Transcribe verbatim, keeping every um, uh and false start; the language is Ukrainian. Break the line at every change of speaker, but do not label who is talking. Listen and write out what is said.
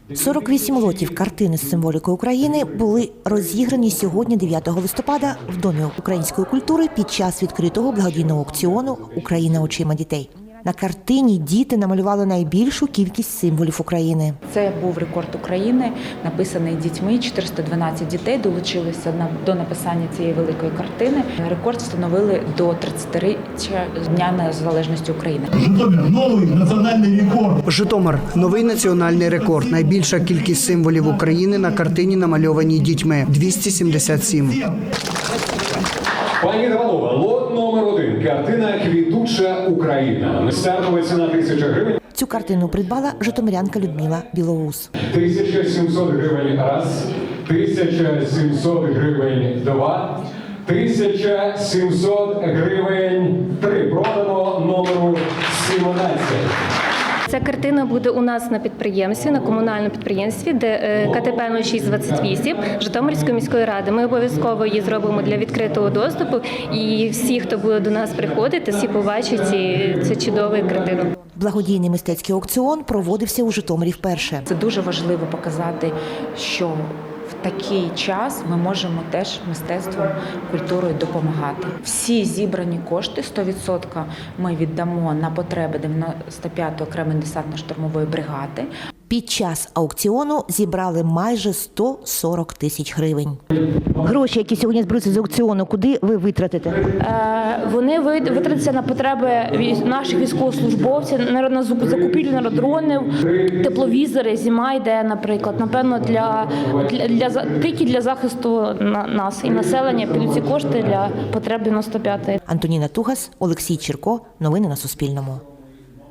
сорок вісім лотів картини з символікою України були розіграні сьогодні, дев'ятого листопада, в Домі української культури під час відкритого благодійного аукціону «Україна очима дітей». На картині діти намалювали найбільшу кількість символів України.
Це був рекорд України, написаний дітьми. чотириста дванадцять дітей долучилися до написання цієї великої картини. Рекорд встановили до тридцятиріччя Дня Незалежності України.
Житомир – новий національний рекорд.
Житомир – новий національний рекорд. Найбільша кількість символів України на картині, намальованій дітьми – двісті сімдесят сім.
Пані та панове, лот номер один. Картина «Квітуча Україна». Стартова ціна тисяча гривень.
Цю картину придбала житомирянка Людмила Білоус.
тисяча сімсот гривень раз, тисяча сімсот гривень два, тисяча сімсот гривень три. Продано номеру сімнадцять.
Ця картина буде у нас на підприємстві, на комунальному підприємстві, де ка те пе нуль шість двадцять вісім Житомирської міської ради. Ми обов'язково її зробимо для відкритого доступу, і всі, хто буде до нас приходити, всі побачать цю чудову картину.
Благодійний мистецький аукціон проводився у Житомирі вперше.
Це дуже важливо показати, що в такий час ми можемо теж мистецтвом, культурою допомагати. Всі зібрані кошти, сто відсотків ми віддамо на потреби дев'яносто п'ятої окремої десантно-штурмової бригади.
Під час аукціону зібрали майже сто сорок тисяч гривень. Гроші, які сьогодні зберуться з аукціону, куди ви витратите?
Вони витратяться на потреби наших військовослужбовців, на закупівлю дронів, тепловізори, зима йде, наприклад. Напевно, для, для, для, тільки для захисту нас і населення підуть ці кошти для потреб дев'яносто п'ятої.
Антоніна Тугас, Олексій Чірко. Новини на Суспільному.